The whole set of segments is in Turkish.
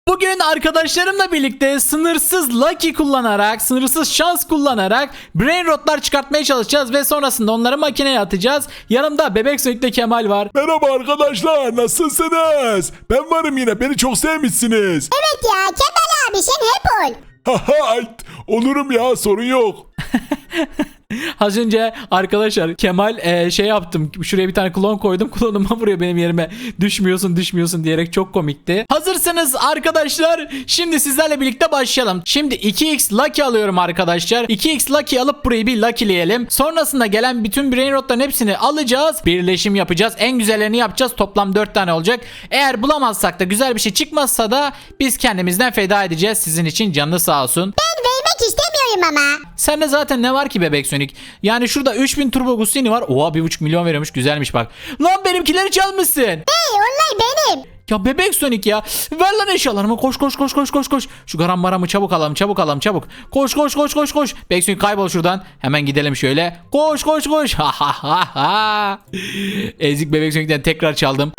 Bugün arkadaşlarımla birlikte sınırsız lucky kullanarak, sınırsız şans kullanarak brain rotlar çıkartmaya çalışacağız ve sonrasında onları makineye atacağız. Yanımda Bebek Sonic'te Kemal var. Merhaba arkadaşlar, nasılsınız? Ben varım yine, beni çok sevmişsiniz. Evet ya Kemal abi sen hep ol. Haha, olurum ya, sorun yok. Az önce arkadaşlar Kemal şey yaptım. Şuraya bir tane klon koydum. Klonuma vuruyor benim yerime. Düşmüyorsun diyerek çok komikti. Hazırsanız arkadaşlar şimdi sizlerle birlikte başlayalım. Şimdi 2x lucky alıyorum arkadaşlar. 2x lucky alıp burayı bir luckyleyelim. Sonrasında gelen bütün brain rotların hepsini alacağız. Birleşim yapacağız. En güzellerini yapacağız. Toplam 4 tane olacak. Eğer bulamazsak da güzel bir şey çıkmazsa da biz kendimizden feda edeceğiz. Sizin için canlı sağ olsun. Ben vermek istemiyorum ama. Sende zaten ne var ki Bebek Sonic? Yani şurada 3000 Turbo Gustini var. Oha 1,5 milyon veriyormuş. Güzelmiş bak. Lan benimkileri çalmışsın. Hey onlar benim. Ya Bebek Sonic ya. Ver lan eşyalarımı. Koş. Şu garambaramı çabuk alalım. Koş. Bebek Sonic kaybol şuradan. Hemen gidelim şöyle. Koş. Ha ha ha ha. Ezik Bebek Sonic'ten tekrar çaldım.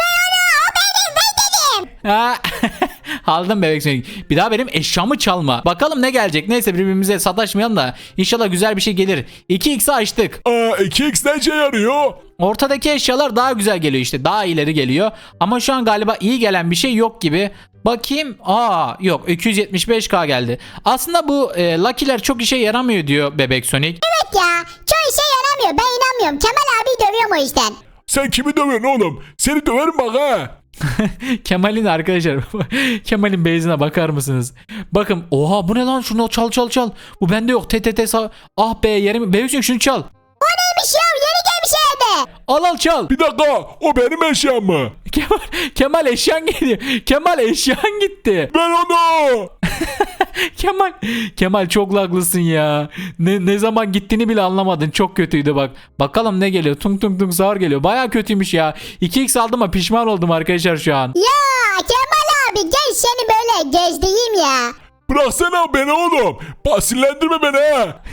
Ha. Aldım Bebek Sonic. Bir daha benim eşyamı çalma. Bakalım ne gelecek. Neyse birbirimize sataşmayalım da. İnşallah güzel bir şey gelir. 2x'i açtık. 2x ne işe yarıyor? Ortadaki eşyalar daha güzel geliyor işte. Daha ileri geliyor. Ama şu an galiba iyi gelen bir şey yok gibi. Bakayım. Yok 275k geldi. Aslında bu lucky'ler çok işe yaramıyor diyor Bebek Sonic. Evet ya çoğu işe yaramıyor ben inanmıyorum. Kemal abi dövüyorum o yüzden. Sen kimi dövüyorsun oğlum? Seni döverim bak ha. Kemal'in arkadaşlar. Kemal'in base'ine bakar mısınız? Bakın. Oha bu ne lan? Şunu çal. Bu bende yok. Ah be yerim. Bebek Sonic şunu çal. O neymiş ya yeni gelmiş evde. Al çal. Bir dakika, o benim eşyam mı? Kemal eşyan geliyor. Kemal eşyan gitti. Ver onu. Kemal çok laglısın ya. Ne zaman gittiğini bile anlamadın. Çok kötüydü bak. Bakalım ne geliyor. Tung sağır geliyor. Baya kötüymüş ya. 2x aldım ama pişman oldum arkadaşlar şu an. Ya Kemal abi gel seni böyle gezdireyim ya. Bıraksana beni oğlum. Sinirlendirme beni ha.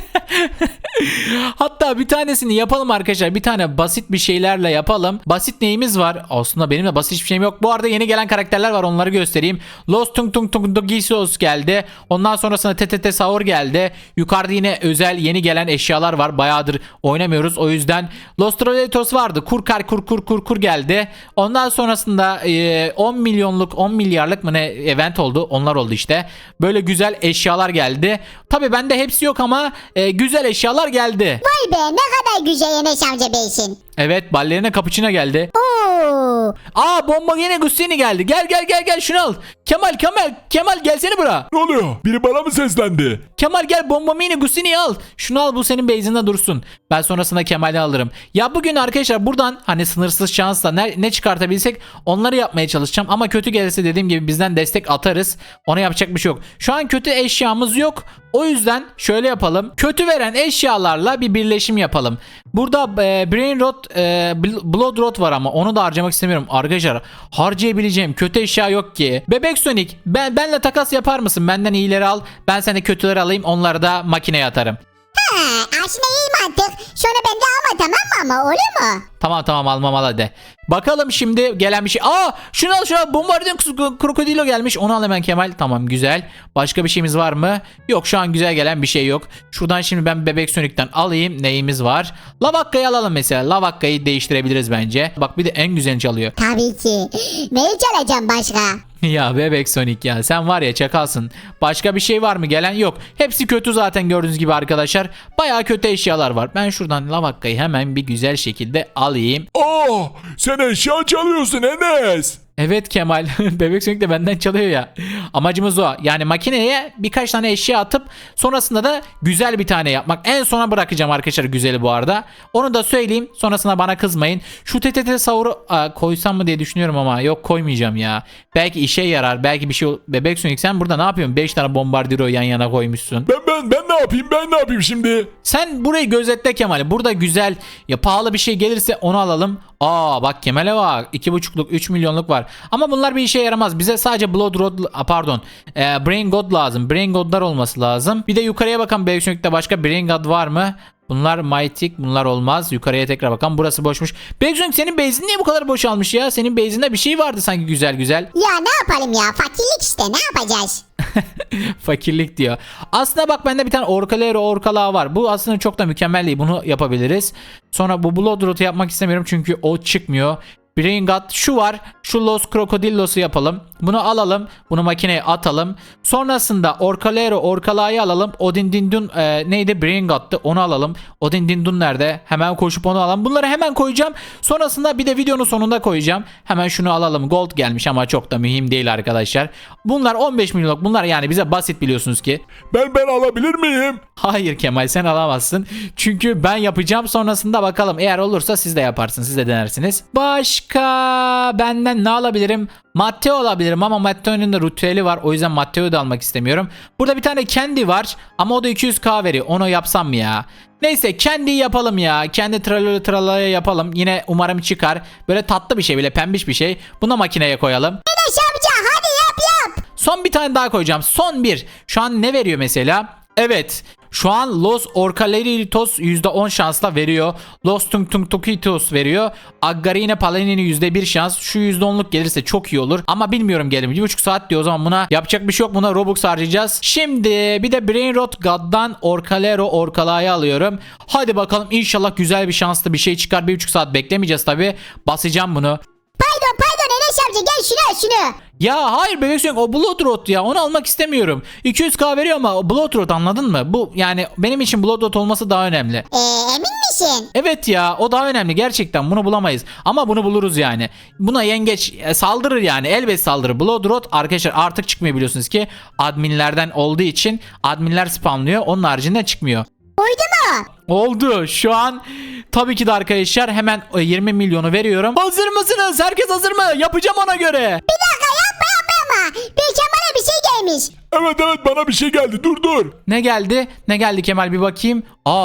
Hatta bir tanesini yapalım arkadaşlar. Bir tane basit bir şeylerle yapalım. Basit neyimiz var? Aslında benim de basit hiçbir şeyim yok. Bu arada yeni gelen karakterler var. Onları göstereyim. Lost Tung Gisos geldi. Ondan sonrasında TTT Saur geldi. Yukarıda yine özel yeni gelen eşyalar var. Bayağıdır oynamıyoruz. O yüzden Lost Trollatos vardı. Kur geldi. Ondan sonrasında 10 milyarlık mı ne event oldu. Onlar oldu işte. Böyle güzel eşyalar geldi. Tabii bende hepsi yok ama güzel eşyalar geldi. Vay be ne kadar güzel Enes amca beysin. Evet ballerina cappuccino geldi. Oo. Bomba yine Gustini geldi. Gel şunu al. Kemal gelsene bura. Ne oluyor? Biri bana mı seslendi? Kemal gel bomba mini Gustini'yi al. Şunu al bu senin base'inde dursun. Ben sonrasında Kemal'i alırım. Ya bugün arkadaşlar buradan hani sınırsız şansla ne çıkartabilsek onları yapmaya çalışacağım. Ama kötü gelirse dediğim gibi bizden destek atarız. Ona yapacak bir şey yok. Şu an kötü eşyamız yok. O yüzden şöyle yapalım. Kötü veren eşyalarla bir birleşim yapalım. Burada Brain Rot, Blood Rot var ama onu da harcamak istemiyorum. Arkadaşlar harcayabileceğim kötü eşya yok ki. Bebek Sonic benle takas yapar mısın? Benden iyileri al. Ben sana kötüleri alayım. Onları da makineye atarım. Aslında iyi mantık. Sonra ben de alma tamam mı ama olur mu? Tamam almam al hadi. Bakalım şimdi gelen bir şey. Şunu al Bombardier Krokodilo gelmiş. Onu al hemen Kemal. Tamam güzel. Başka bir şeyimiz var mı? Yok şu an güzel gelen bir şey yok. Şuradan şimdi ben Bebek Sonic'ten alayım. Neyimiz var? Lavakka'yı alalım mesela. Lavakka'yı değiştirebiliriz bence. Bak bir de en güzelini çalıyor. Tabii ki. Neyi çalacağım başka? Ya Bebek Sonic ya sen var ya çakalsın. Başka bir şey var mı gelen? Yok. Hepsi kötü zaten gördüğünüz gibi arkadaşlar. Bayağı kötü eşyalar var. Ben şuradan Lavakka'yı hemen bir güzel şekilde alayım. Sen eşya çalıyorsun Enes. Evet Kemal. Bebek Sonic de benden çalıyor ya. Amacımız o. Yani makineye birkaç tane eşya atıp sonrasında da güzel bir tane yapmak. En sona bırakacağım arkadaşlar güzeli bu arada. Onu da söyleyeyim. Sonrasında bana kızmayın. Şu TTT Saur'u koysam mı diye düşünüyorum ama yok koymayacağım ya. Belki işe yarar. Belki bir şey Bebek Sonic sen burada ne yapıyorsun? 5 tane Bombardiro yan yana koymuşsun. Ben ne yapayım şimdi? Sen burayı gözetle Kemal. Burada güzel ya pahalı bir şey gelirse onu alalım. Bak Kemal'e bak 2,5'luk 3 milyonluk var. Ama bunlar bir işe yaramaz. Bize sadece Blood Rod Brain God lazım. Brain God'lar olması lazım. Bir de yukarıya bakan Bebek Sonic'te başka Brain God var mı? Bunlar Mytik, bunlar olmaz. Yukarıya tekrar bakalım. Burası boşmuş. Beksun senin base'in niye bu kadar boşalmış ya? Senin base'inde bir şey vardı sanki güzel güzel. Ya ne yapalım ya, fakirlik işte, ne yapacağız? Fakirlik diyor. Aslında bak bende bir tane orkalağı var. Bu aslında çok da mükemmel değil. Bunu yapabiliriz. Sonra bu Bloodroot'u yapmak istemiyorum çünkü o çıkmıyor. Brain God şu var. Şu Los Crocodilos'u yapalım. Bunu alalım. Bunu makineye atalım. Sonrasında orkalağı alalım. Odin Dindun neydi? Brain God'tu. Onu alalım. Odin Dindun nerede? Hemen koşup onu alalım. Bunları hemen koyacağım. Sonrasında bir de videonun sonunda koyacağım. Hemen şunu alalım. Gold gelmiş ama çok da mühim değil arkadaşlar. Bunlar 15 milyonluk. Bunlar yani bize basit biliyorsunuz ki. Ben alabilir miyim? Hayır Kemal sen alamazsın. Çünkü ben yapacağım sonrasında bakalım. Eğer olursa siz de yaparsınız. Siz de denersiniz. Başka benden ne alabilirim? Matteo alabilirim ama Matteo'nun da ritüeli var. O yüzden Matteo'yu da almak istemiyorum. Burada bir tane Candy var ama o da 200k veriyor. Onu yapsam mı ya? Neyse Candy'yi yapalım ya. Kendi tralaya yapalım. Yine umarım çıkar. Böyle tatlı bir şey, böyle pembiş bir şey. Bunu makineye koyalım. Enes amca hadi yap. Son bir tane daha koyacağım. Son bir. Şu an ne veriyor mesela? Evet. Şu an Los Orcaleritos %10 şansla veriyor. Los Tung Tung Tukitos veriyor. Aggarine Palanini %1 şans. Şu %10'luk gelirse çok iyi olur. Ama bilmiyorum gelir mi? 1,5 saat diyor. O zaman buna yapacak bir şey yok. Buna Robux harcayacağız. Şimdi bir de Brainrot God'dan Orkalağı alıyorum. Hadi bakalım inşallah güzel bir şanslı bir şey çıkar. 1,5 saat beklemeyeceğiz tabi. Basacağım bunu. Pardon Enes amca, gel şunu. Ya hayır bebek sönük o Bloodroot ya, onu almak istemiyorum. 200k veriyor ama o Bloodroot, anladın mı? Bu yani benim için Bloodroot olması daha önemli. Emin misin? Evet ya, o daha önemli gerçekten, bunu bulamayız ama bunu buluruz yani. Buna yengeç saldırır yani, elbet saldırır. Bloodroot arkadaşlar artık çıkmıyor biliyorsunuz ki, adminlerden olduğu için adminler spamlıyor, onun haricinde çıkmıyor. Uydu mu? Oldu şu an. Tabii ki de arkadaşlar hemen 20 milyonu veriyorum. Hazır mısınız? Herkes hazır mı? Yapacağım ona göre. Bir dakika yapma ama. Bir Kemal'e bir şey gelmiş. Evet bana bir şey geldi. Dur. Ne geldi? Ne geldi Kemal, bir bakayım.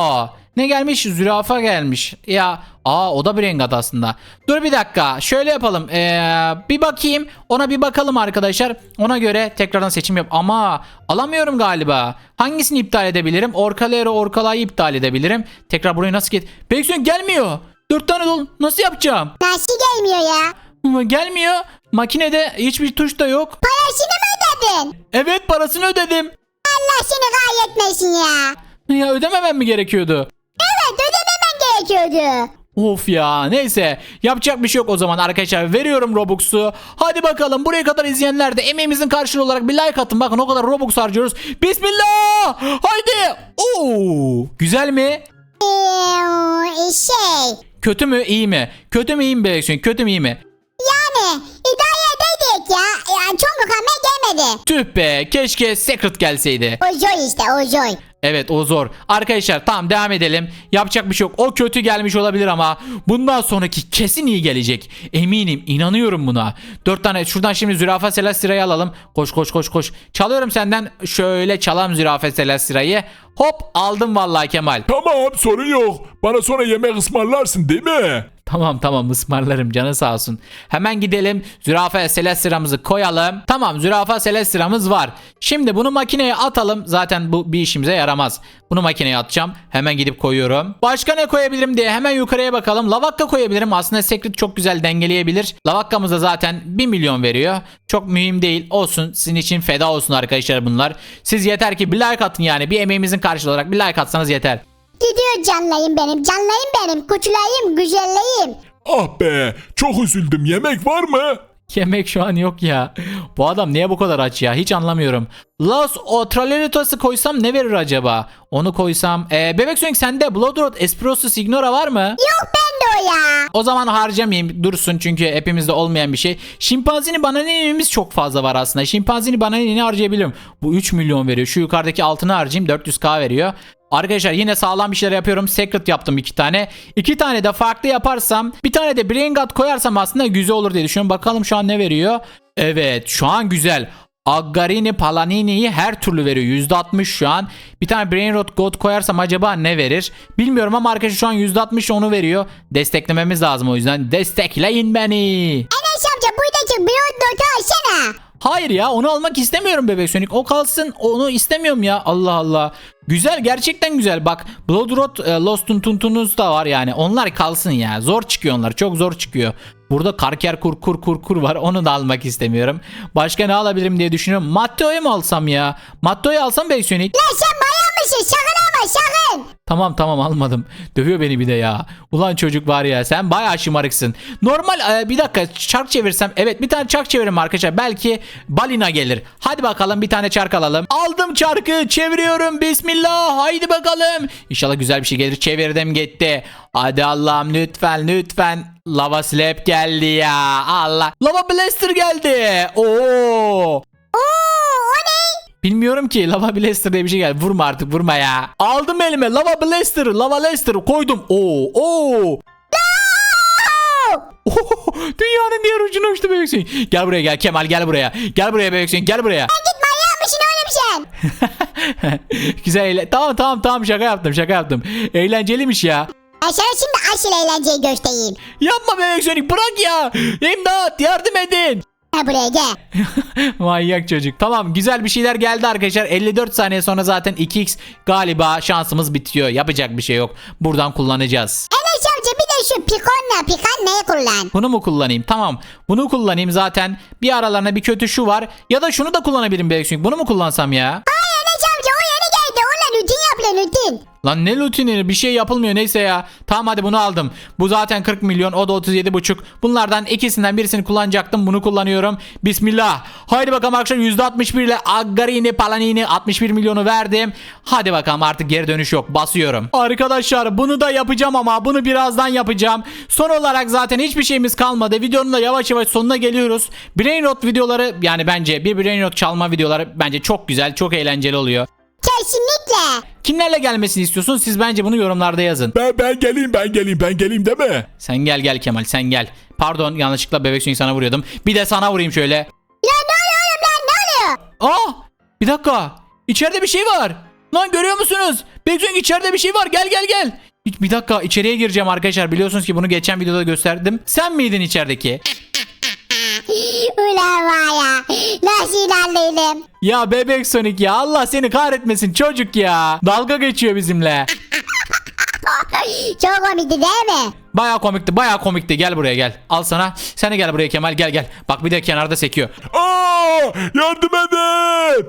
Ne gelmiş? Zürafa gelmiş. Ya o da bir rengat aslında. Dur bir dakika. Şöyle yapalım. Bir bakayım. Ona bir bakalım arkadaşlar. Ona göre tekrardan seçim yap. Ama alamıyorum galiba. Hangisini iptal edebilirim? Orkalağı iptal edebilirim. Tekrar buraya nasıl git? Bekliyorum gelmiyor. 4 tane dolu. Nasıl yapacağım? Nasıl gelmiyor ya? Gelmiyor. Makinede hiçbir tuş da yok. Parasını mı ödedin? Evet, parasını ödedim. Allah seni gayretmesin ya. Ya ödememem mi gerekiyordu? Evet, ödememen gerekiyordu. Of ya, neyse yapacak bir şey yok o zaman arkadaşlar, veriyorum Robux'u. Hadi bakalım, buraya kadar izleyenler de emeğimizin karşılığı olarak bir like atın, bakın o kadar Robux harcıyoruz. Bismillah, haydi. Güzel mi? Kötü mü iyi mi? Kötü mü iyi mi Bebek? Kötü mü iyi mi? Yani idare edeydik ya. Yani çok mükemmel gelmedi. Tüh be, keşke Secret gelseydi. O joy işte, o joy. Evet, o zor. Arkadaşlar tamam, devam edelim. Yapacak bir şey yok. O kötü gelmiş olabilir ama bundan sonraki kesin iyi gelecek. Eminim, inanıyorum buna. 4 tane şuradan şimdi Zürafa Celestira'yı alalım. Koş. Çalıyorum senden. Şöyle çalalım Zürafa Celestira'yı. Hop, aldım vallahi Kemal. Tamam, sorun yok. Bana sonra yemek ısmarlarsın değil mi? Tamam ısmarlarım, canı sağ olsun. Hemen gidelim, Zürafa Celestira'mızı koyalım. Tamam, Zürafa Celestira'mız var. Şimdi bunu makineye atalım. Zaten bu bir işimize yaramaz. Bunu makineye atacağım. Hemen gidip koyuyorum. Başka ne koyabilirim diye hemen yukarıya bakalım. Lavakka koyabilirim. Aslında Secret çok güzel dengeleyebilir. Lavakkamız da zaten 1 milyon veriyor. Çok mühim değil. Olsun. Sizin için feda olsun arkadaşlar bunlar. Siz yeter ki bir like atın yani. Bir emeğimizin karşılığı olarak bir like atsanız yeter. Gidiyor canlayım benim, kutulayım, güzelleyim. Ah be, çok üzüldüm. Yemek var mı? Yemek şu an yok ya. Bu adam niye bu kadar aç ya? Hiç anlamıyorum. Los Otraleritos'u koysam ne verir acaba? Onu koysam. Bebek Sonic sende Bloodroot Espresso Signora var mı? Yok bende o ya. O zaman harcamayayım, dursun çünkü hepimizde olmayan bir şey. Şimpanzini bananini'miz çok fazla var aslında. Şimpanzini bananini harcayabilirim. Bu 3 milyon veriyor. Şu yukarıdaki altını harcayayım, 400k veriyor. Arkadaşlar yine sağlam bir şeyler yapıyorum. Secret yaptım 2 tane. 2 tane de farklı yaparsam, bir tane de Brain God koyarsam aslında güzel olur diye düşünüyorum. Bakalım şu an ne veriyor? Evet, şu an güzel. Aggarini Palanini'yi her türlü veriyor. %60 şu an. Bir tane Brainrot God koyarsam acaba ne verir? Bilmiyorum ama arkadaşlar şu an %60 onu veriyor. Desteklememiz lazım o yüzden. Destekleyin beni. Enes amca buradaki Bloodroot'u alsana. Hayır ya, onu almak istemiyorum bebek Sonic. O kalsın, onu istemiyorum ya. Allah Allah. Güzel, gerçekten güzel. Bak Blood Road Lost'un Tuntunuz da var yani. Onlar kalsın ya. Zor çıkıyor onlar. Çok zor çıkıyor. Burada Karker kur var. Onu da almak istemiyorum. Başka ne alabilirim diye düşünüyorum. Matteo'yu mu alsam ya? Matteo'yu alsam bebek Sonic. Lan sen bayağı mısın? Sakın ama sakın. Tamam almadım. Dövüyor beni bir de ya. Ulan çocuk var ya, sen bayağı şımarıksın. Normal bir dakika çark çevirsem. Evet, bir tane çark çeviririm arkadaşlar. Belki balina gelir. Hadi bakalım, bir tane çark alalım. Aldım çarkı, çeviriyorum. Bismillah. Haydi bakalım. İnşallah güzel bir şey gelir. Çevirdim, gitti. Hadi Allah'ım, lütfen. Lava slap geldi ya. Allah. Lava blaster geldi. Oo. Oo o ne? Bilmiyorum ki, lava blaster diye bir şey geldi. Vurma artık, vurma ya. Aldım elime lava blaster koydum. Oo. Dünyanın diğer ucuna uçtu bebek Sonic. Gel buraya, gel Kemal, gel buraya. Gel buraya bebek Sonic, gel buraya. Git manyak mısın oğlum sen? Güzel tamam, şaka yaptım. Eğlenceliymiş ya. Ben sana şimdi asıl eğlenceyi göstereyim. Yapma bebek Sonic, bırak ya. İmdat, yardım edin. Ha buraya gel. Manyak çocuk. Tamam, güzel bir şeyler geldi arkadaşlar. 54 saniye sonra zaten 2x galiba şansımız bitiyor. Yapacak bir şey yok. Buradan kullanacağız. Enes amca bir de şu pikan neyi kullan? Bunu mu kullanayım? Tamam. Bunu kullanayım zaten. Bir aralarına bir kötü şu var. Ya da şunu da kullanabilirim belki. Çünkü bunu mu kullansam ya? Ay Enes amca o yeni geldi. Onunla rutin yapıyor rutin. Lan ne lutini, bir şey yapılmıyor, neyse ya. Tamam hadi bunu aldım. Bu zaten 40 milyon, o da 37,5. Bunlardan ikisinden birisini kullanacaktım. Bunu kullanıyorum. Bismillah. Haydi bakalım arkadaşlar, %61 ile Aggarini Palanini 61 milyonu verdim. Hadi bakalım, artık geri dönüş yok. Basıyorum. Arkadaşlar bunu da yapacağım ama bunu birazdan yapacağım. Son olarak zaten hiçbir şeyimiz kalmadı. Videonun da yavaş yavaş sonuna geliyoruz. Brain Rot videoları, yani bence bir Brain Rot çalma videoları bence çok güzel, çok eğlenceli oluyor. Kesinlikle. Kimlerle gelmesini istiyorsun? Siz bence bunu yorumlarda yazın. Ben geleyim değil mi? Sen gel Kemal, sen gel. Pardon, yanlışlıkla bebek Sonic sana vuruyordum. Bir de sana vurayım şöyle. Ya ne oluyor oğlum lan ne oluyor? Aa! Bir dakika. İçeride bir şey var. Lan görüyor musunuz? Bebek Sonic, içeride bir şey var. Gel. Bir dakika, içeriye gireceğim arkadaşlar. Biliyorsunuz ki bunu geçen videoda gösterdim. Sen miydin içerideki? Ulan var ya. Nasıl inandıydım? Ya bebek Sonic ya, Allah seni kahretmesin çocuk ya. Dalga geçiyor bizimle. Çok komikti değil mi? Bayağı komikti. Gel buraya, gel. Al sana. Sen de gel buraya Kemal, gel. Bak bir de kenarda sekiyor. Aa, yardım edin.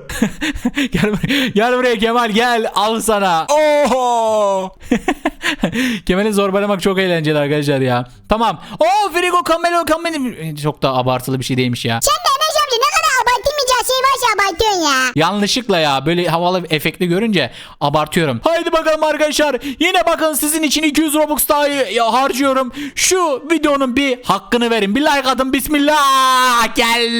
Gel buraya Kemal, gel. Al sana. Oha. Kemal'i zorbalamak çok eğlenceli arkadaşlar ya. Tamam. Frigo Camelo. Çok da abartılı bir şey değilmiş ya. Sen de Enes amca ne kadar abartılmayacak şey varsa abartıyorsun ya. Yanlışlıkla ya, böyle havalı efektli görünce abartıyorum. Haydi bakalım arkadaşlar. Yine bakın, sizin için 200 Robux daha harcıyorum. Şu videonun bir hakkını verin. Bir like atın. Bismillah.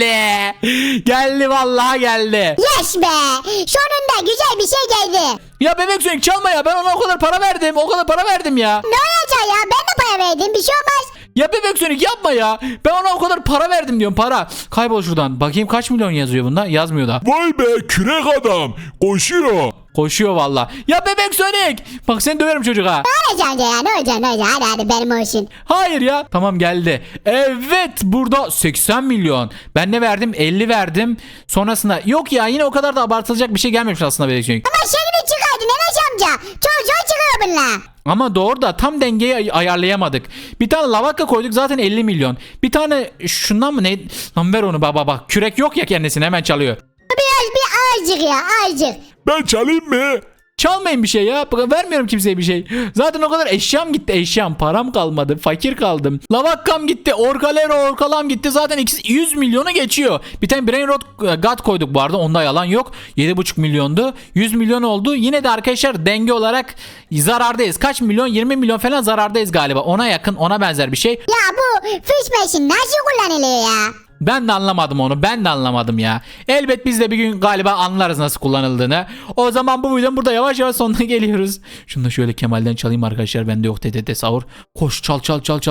Geldi vallahi geldi. Yes be. Sonunda güzel bir şey geldi. Ya bebek Sonic çalma ya. Ben ona o kadar para verdim ya. Ne olacak ya? Ben de para verdim. Bir şey olmaz. Ya bebek Sonic yapma ya. Ben ona o kadar para verdim diyorum, para. Kaybol şuradan. Bakayım kaç milyon yazıyor bunda. Yazmıyor da. Vay be, kürek adam koşuyor. Koşuyor valla. Ya bebek Sonic. Bak seni döverim çocuk ha. Ne olacak amca ya? Ne olacak? Hadi benim olsun. Hayır ya. Tamam geldi. Evet, burada 80 milyon. Ben ne verdim? 50 verdim. Sonrasında yok ya, yine o kadar da abartılacak bir şey gelmemiş aslında bebek Sonic. Ama şeklini çıkardın Enes amca. Çok zor çıkıyor bunlar. Ama doğru da tam dengeyi ayarlayamadık. Bir tane lavaka koyduk, zaten 50 milyon. Bir tane şundan mı ne? Lan ver onu baba. Kürek yok ya kendisine, hemen çalıyor. Bir azıcık ya azıcık. Ben çalayım mı? Çalmayın bir şey ya. Vermiyorum kimseye bir şey. Zaten o kadar eşyam gitti. Param kalmadı. Fakir kaldım. Lavakkam gitti. Orkalam gitti. Zaten ikisi 100 milyonu geçiyor. Bir tane Brain Rot God koyduk bu arada. Onda yalan yok. 7,5 milyondu. 100 milyon oldu. Yine de arkadaşlar denge olarak zarardayız. Kaç milyon? 20 milyon falan zarardayız galiba. Ona yakın, ona benzer bir şey. Ya bu fiş meşin nasıl kullanılıyor ya? Ben de anlamadım onu. Ben de anlamadım ya. Elbet biz de bir gün galiba anlarız nasıl kullanıldığını. O zaman bu videonun burada yavaş yavaş sonuna geliyoruz. Şunu da şöyle Kemal'den çalayım arkadaşlar. Bende yok TTT sahur. Koş çal.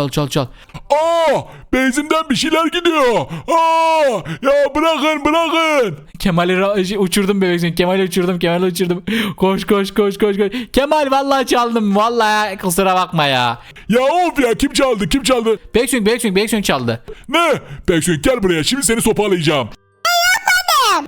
Aa, benzimden bir şeyler gidiyor. Aa, ya bırakın. Kemal'i uçurdum bebek Sonic. Kemal'i uçurdum. Koş. Kemal vallahi çaldım. Vallahi kusura bakma ya. Ya of ya, kim çaldı? Bebek Sonic çaldı. Ne? Beksun gel buraya, şimdi seni sopalayacağım. vurdum.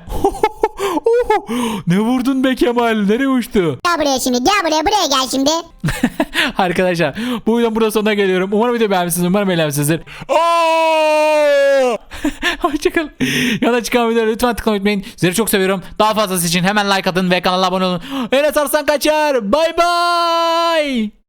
Ne vurdun be Kemal? Nereye uçtu? Gel buraya şimdi buraya gel şimdi. Arkadaşlar bu videonun burada sonuna geliyorum. Umarım video beğenmişsiniz. Umarım eğlenmişsinizdir. Aa! Hoşçakalın. Yana çıkan videoları lütfen tıklamayı unutmayın. Sizleri çok seviyorum. Daha fazlası için hemen like atın ve kanala abone olun. Enes Arslan kaçar. Bay bay.